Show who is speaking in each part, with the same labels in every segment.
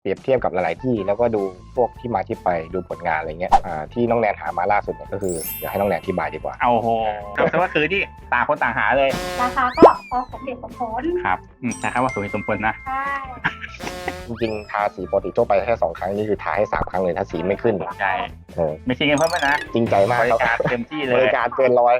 Speaker 1: เปรียบเทียบกับหลายๆที่แล้วก็ดูพวกที่มาที่ไปดูผลงานอะไรเงี้ยที่น้องแนนหามาล่าสุดเนี่ยก็คือเดี๋ยวให้น้องแนนอธิบายดีกว่า
Speaker 2: เอาโหแต่ว่าคือที่ต่างคนต่างหาเลย
Speaker 3: ราคาก็พอสมเหตุสมผล
Speaker 2: ครับนะครับว่าสมเหตุสมผลนะ
Speaker 3: ใช่
Speaker 1: จริงๆทาสีปกติทั่วไปแค่2 ครั้งนี่คือทาให้3 ครั้งเลยถ้าสีไม่ขึ้น
Speaker 2: ใช่ไม่คิดเงินเพิ่มนะ
Speaker 1: จริงใจมาก
Speaker 2: บริการเต็มที่เลย
Speaker 1: บริการเกินร้อย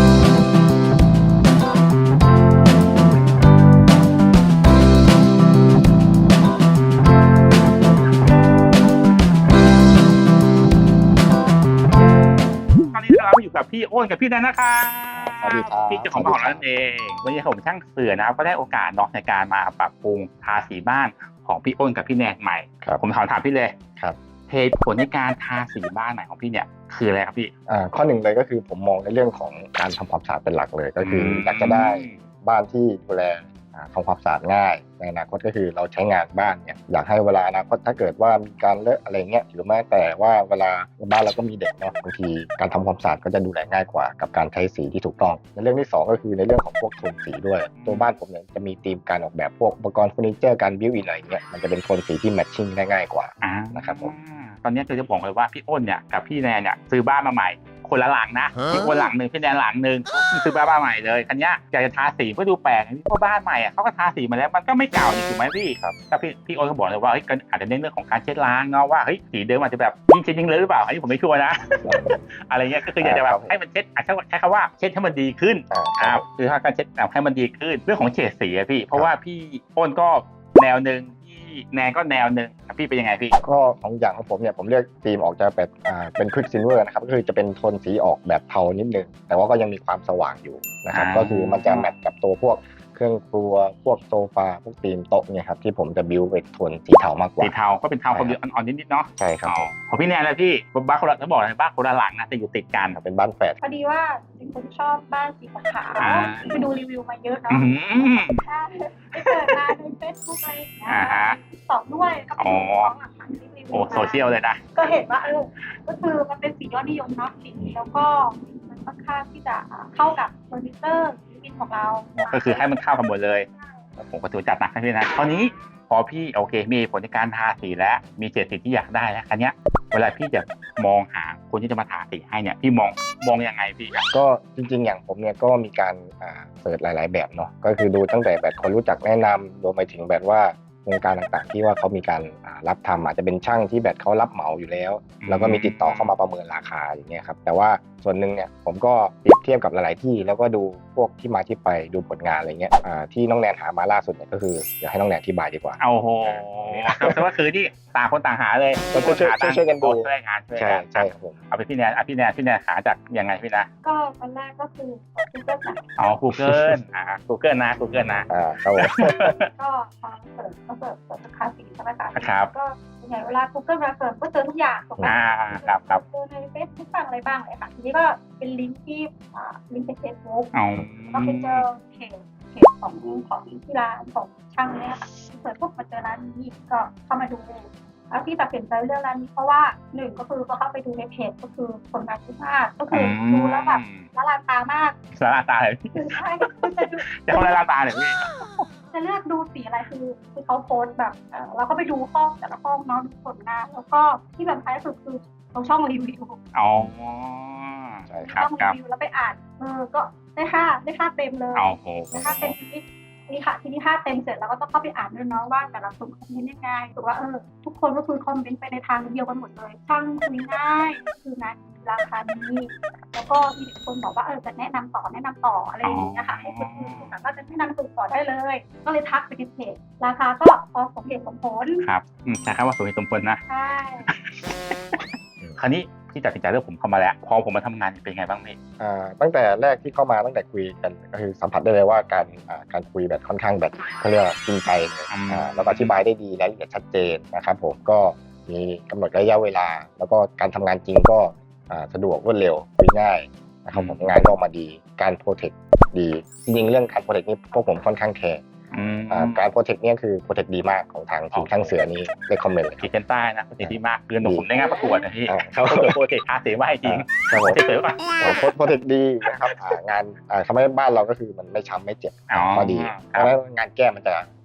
Speaker 2: เราอยู่กับพี่อ้นกับพี่แนนนะคะพี่เจ้าของบ้านนั่นเองวันนี้ผมช่างเสือนะครับก็ได้โอกาสในการมาปรับปรุงทาสีบ้านของพี่อ้นกับพี่แนนใหม่ผมถามพี่เลย
Speaker 1: ครับ
Speaker 2: เหตุผลในการทาสีบ้านใหม่ของพี่เนี่ยคืออะไรครับพี่
Speaker 1: ข้อหนึ่งเลยก็คือผมมองในเรื่องของการทำความสะอาดเป็นหลักเลยก็คืออยากจะได้บ้านที่ดูแลทำความสะอาดง่ายในอนาคตก็คือเราใช้งานบ้านเนี่ยอยากให้เวลาอนาคตถ้าเกิดว่ามีการเลอะอะไรเงี้ยหรือแม้แต่ว่าเวลาบ้านเราก็มีเด็กเนาะบางทีการทำความสะอาดก็จะดูแลง่ายกว่ากับการใช้สีที่ถูกต้องในเรื่องที่2ก็คือในเรื่องของพวกโทนสีด้วยตัวบ้านผมเนี่ยจะมีธีมการออกแบบพวกอุปกรณ์เฟอร์นิเจอร์การบิวอินอะไรเงี้ยมันจะเป็นโทนสีที่แมทชิ่งได้ง่ายกว่านะครับผม
Speaker 2: ตอนนี้คือจะบอกเลยว่าพี่อ้นเนี่ยกับพี่แนนเนี่ยซื้อบ้านมาใหม่คนละหลังนะพี่อ้นหลังนึงพี่แนนหลังนึงซื้อบ้านใหม่เลยคันนี้อยากจะทาสีเพื่อดูแปลกเพราะบ้านใหม่อ่ะเขาก็ทาสีมาแล้วมันก็ไม่เก่าถูกไหมพี่ครับแต่พี่อ้นก็บอกเลยว่าอาจจะเน้นเรื่องของการเช็ดล้างเนาะว่าสีเดิมอาจจะแบบยิ่งเลยหรือเปล่าอันนี้ผมไม่ชัวร์นะอะไรเงี้ยก็คืออยากจะแบบให้มันเช็ดใช้คำว่าเช็ดให้มันดีขึ้นคือถ้าการเช็ดให้มันดีขึ้นเรื่องของเฉดสีอะพี่เพราะว่าพี่อ้นก็แนวนึงแนนก็แนวนึงพี่เป็นยังไงพี่
Speaker 1: ก็ของอย่างของผมเนี่ยผมเลือกธีมออกจะเป็นควิกซิลเวอร์นะครับก็คือจะเป็นโทนสีออกแบบเทานิดนึงแต่ว่าก็ยังมีความสว่างอยู่นะครับก็คือมันจะแมทกับตัวพวกเครื่องครัวพวกโซฟาพวกธีมโต๊ะเนี่ยครับที่ผมจะบิวเป็นโทนสีเทามากกว่า
Speaker 2: สีเทาก็เป็นเทาความอ่อนๆนิดๆเนาะ
Speaker 1: ใช่ครับ
Speaker 2: ของพี่แนนเลยพี่บ้านคนละต้องบอกเลยบ้านคนละหลังนะแต่อยู่ติดกัน
Speaker 1: เป็นบ้านแฝด
Speaker 3: พอดีว่าเป็นคนชอบบ้านสีขาวไปดูรีวิวมาเยอะเนาะใช่ไปเปิดมาในเฟซบุ๊กอะไรอย่างเงี้ยตอบด้วยก็เป็นของหลักฐานที่รีวิว
Speaker 2: โซเชียลเลยนะ
Speaker 3: ก็เห็นว่าก็คือมันเป็นสียอดนิยมเนาะสีแล้วก็มันค่อนข้างที่จะเข้ากับเฟอร์นิเจอร์ของเรา
Speaker 2: ก็คือให้มันเข้ากันหมดเลยผมก็ถือจัดหนักให้พี่นะตอนนี้พอพี่โอเคมีผลในการทาสีแล้วมีเฉดสีที่อยากได้แล้วคันนี้เวลาพี่จะมองหาคนที่จะมาทาสีให้เนี่ยพี่มองยังไงพี่
Speaker 1: ก็จริงๆอย่างผมเนี่ยก็มีการเสิร์ชหลายๆแบบเนาะก็คือดูตั้งแต่แบบคนรู้จักแนะนำรวมไปถึงแบบว่าวงการต่างๆที่ว่าเขามีการรับทำอาจจะเป็นช่างที่แบบเขารับเหมาอยู่แล้วแล้วก็มีติดต่อเข้ามาประเมินราคาอย่างเงี้ยครับแต่ว่าส่วนหนึ่งเนี่ยผมก็เปรียบเทียบกับหลายๆที่แล้วก็ดูพวกที่มาที่ไปดูผลงานอะไรเงี้ยที่น้องแนนหามาล่าสุดเนี่ยก็คือเดี๋ยวให้น้องแนนอธิบายดีกว่า
Speaker 2: เอาโหแต่ว่าคือที่ต่างคนต่างหาเลย
Speaker 1: ก็ช่วยกันดู
Speaker 2: ช่วยงานช่วย
Speaker 1: ใช่ครับผม
Speaker 2: เอาไปพี่แนนหาจากยังไงพี่นะ
Speaker 3: ก็ตอนแรกก็คือ Google นะ
Speaker 2: Google Google นะ
Speaker 1: ครับผม
Speaker 3: ก็พอเสิร์ชราคาสีใช่ไหมคะ
Speaker 2: ครับ
Speaker 3: ก็ส่วนใหญ่เวลา Google มาเสิร์ชก็เจอทุกอย่างถูกไหม
Speaker 2: ครับ
Speaker 3: เจอในเฟซบุ๊กบ้างอะไรบ้างเลยค่ะทีนี้ก็เป็นลิงก์ที่ลิงก์ในเฟซบุ๊กก็ไปเจอเพจของที่ร้านของช่างเนี่ยค่ะเสิร์ชปุ๊บมาเจอร้านนี้ก็เข้ามาดูแล้วที่ตัดสินใจเรื่องร้านนี้เพราะว่า1ก็คือพอเข้าไปดูในเพจก็คือผลงานที่มากก็คือดูแล้วแบบละลานตามาก
Speaker 2: ละลานตาเลย
Speaker 3: ใช่
Speaker 2: จะละลานตาเลยพี่
Speaker 3: จะเลือกดูสีอะไรคือเขาโพสแบบเราก็ไปดูห้องแต่ละห้องเนาะดูผลงานแล้วก็ที่สำคัญที่สุดคือเราช่องรีวิว
Speaker 2: ใช่ครับ
Speaker 3: ช่องรีวิวแล้วไปอ่านก็ได้ค่าเต็มเลยได้ค่าเต็มนี่ค่ะทีนี้ค่าเต็มเสร็จแล้วก็ต้องเข้าไปอ่านด้วยเนาะว่าแต่ละคนคอมเมนต์ยังไงถูกว่าทุกคนก็คือคอมเมนต์ไปในทางเดียวกันหมดเลยช่างคุยง่ายคืองานราคานี้แล้วก็มีคนบอกว่าจะแนะนำต่ออะไรอย่างเงี้ยค่ะให้คนอื่นสามารถจะแนะนำต่อได้เลยก็เลยทักไปที่เพจราคาก็พอสมเหตุสมผล
Speaker 2: ครับใช่ครับว่าสมเหตุสมผลนะ
Speaker 3: ใช่
Speaker 2: คราวนี้ที่ตัดสินใจเลือกผมเข้ามาแล้วพอผมมาทำงานเป็นไงบ้างพี่
Speaker 1: ตั้งแต่แรกที่เข้ามาตั้งแต่คุยกันก็คือสัมผัสได้เลยว่าการคุยแบบค่อนข้างแบบเขาเรียกจริงใจเลยแล้วก็อธิบายได้ดีรายละเอียดชัดเจนนะครับผมก็มีกำหนดระยะเวลาแล้วก็การทำงานจริงก็สะดวกรวดเร็วคุยง่ายนะครับผมงานก็ออกมาดีการโปรเทคดีจริงๆเรื่องการโปรเทคนี่พวกผมค่อนข้างแคร์การโปรเทคเนี่ยคือโปรเทคดีมากของทางทีมช่างเสือนี้ได้คอมเมนต์เลย
Speaker 2: ขีดเส้นใต้นะโปรเทคดีมากคือหนูผมได้งานประกวดนะพี่เขาก็โปรเทคทาสีมาให้จริงโปรเทคเสริม
Speaker 1: โปรเทคดีนะครับงานทำให้บ้านเราก็คือมันไม่ช้ำไม่เจ็บก็ดีเพราะฉะนั้นงานแก้มันจะ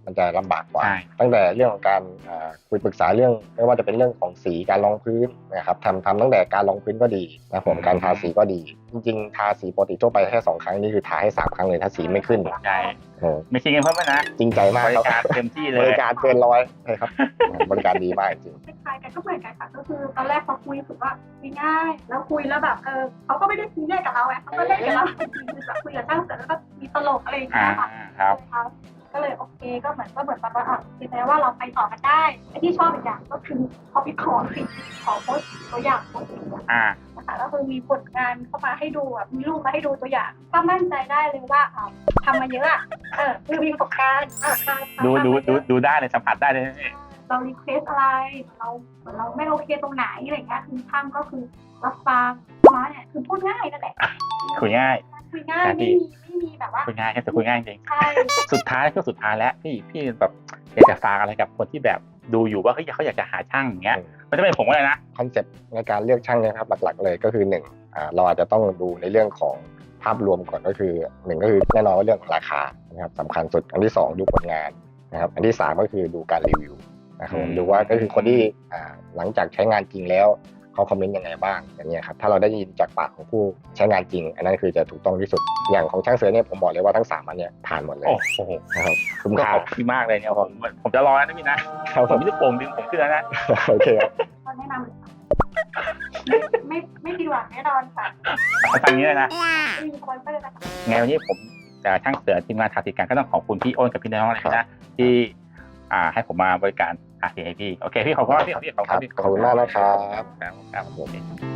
Speaker 1: มันจะลำบากกว่า
Speaker 2: ใช่
Speaker 1: ตั้งแต่เรื่องของการคุยปรึกษาเรื่องไม่ว่าจะเป็นเรื่องของสีการรองพื้นนะครับทำตั้งแต่การรองพื้นก็ดีนะผมการทาสีก็ดี จริงๆทาสีปกติทั่วไปแค่2 ครั้งนี่คือทาให้3 ครั้งเลยถ้าสีไม่ขึ้น
Speaker 2: ใช่
Speaker 1: โอ้
Speaker 2: ไม่คิดเงินเพิ่มนะ
Speaker 1: จริงใจมาก
Speaker 2: บริ
Speaker 1: ครับ
Speaker 2: การเต็มที่เล
Speaker 1: บ
Speaker 2: ย
Speaker 1: ริการเกินร้อยใช่ครับบริการดีมากจริง
Speaker 3: คล้ายๆกันก็เหมือนกันค่ะก็คือตอนแรกพอคุยรู้สึกว่าคุยง่ายแล้วคุยแล้วแบบเขาก็ไม่ได้ซีเรียสกับเราไงเขาก็เล่นกับเราจริงๆคือแบบคุยกับช่างเสร็จแล้วก็มีตลกอะไรอย่างเงี้ยค่ะ
Speaker 2: ครับ
Speaker 3: ก็เลยโอเคก็เหมือนแบบว่าคือแม้ว่าเราไปต่อกันได้ไอ้ที่ชอบอีกอย่างก็คือพอไปขอสิขอโพสต์ตัวอย่างโพสต์นะคะก็คือมีผลงานเข้ามาให้ดูแบบมีรูปมาให้ดูตัวอย่างก็มั่นใจได้เลยว่าทำมาเยอะคือมีประสบการณ์
Speaker 2: ดูได้เลยสัมผัสได้เลย
Speaker 3: เรารีเควสอะไรเราไม่โอเคตรงไหนอะไรเงี้ยคือช่างก็คือรับฟังมาเนี่ยคือพูดง่ายนั่นแหละ
Speaker 2: คุยง่าย
Speaker 3: ไม่มีแบบว่า
Speaker 2: คุยง่ายแค่คุยง่ายจริง
Speaker 3: ใช่
Speaker 2: สุดท้ายแล้วพี่แบบอยากจะฝากอะไรกับคนที่แบบดูอยู่ว่าเขาอยากจะหาช่างอย่างเงี้ยมันจะเป็นผมเลยนะ
Speaker 1: คอนเซ็ปต์ในการเลือกช่างเนี่ยครับหลักๆเลยก็คือ1เราอาจจะต้องดูในเรื่องของภาพรวมก่อนก็คือ1ก็คือแน่นอนว่าเรื่องของราคานะครับสำคัญสุดอันที่2ดูผลงานนะครับอันที่3ก็คือดูการรีวิวนะครับดูว่าก็คือคนที่หลังจากใช้งานจริงแล้วเขาคอมเมนต์ยังไงบ้างอย่างเงี้ยครับถ้าเราได้ยินจากปากของผู้ใช้งานจริงอันนั้นคือจะถูกต้องที่สุดอย่างของช่างเสือเนี่ยผมบอกเลยว่าทั้ง3อันเนี่ยผ่านหมดเลย
Speaker 2: โอ้โห
Speaker 1: นะครับคุ้ม
Speaker 2: ก็
Speaker 1: ค่า
Speaker 2: ขอบคุณมากเลยเนี่ยผมจะรอนะพี่นะครับ ผมมีลูกโป่งดึงผมขึ้นแล้วนะ
Speaker 1: โอเคครับ
Speaker 3: ตอนแนะนำเลยค่ะไม่ผิดหวังแน่นอนค่ะ
Speaker 2: ทางนี้เลยนะ
Speaker 3: ไม่มีสปอนเซอร์นะคะ
Speaker 2: ไงวันนี้ผมจะช่างเสือทีมงานทาสีกันก็ต้องขอบคุณพี่อ้นกับพี่น้องเลยนะที่ให้ผมมาบริการทาสีให้พี่โอเคพี่ขอบคุณพี่ขอบคุณ
Speaker 1: ขอบคุณมากนะครับ
Speaker 2: ครับ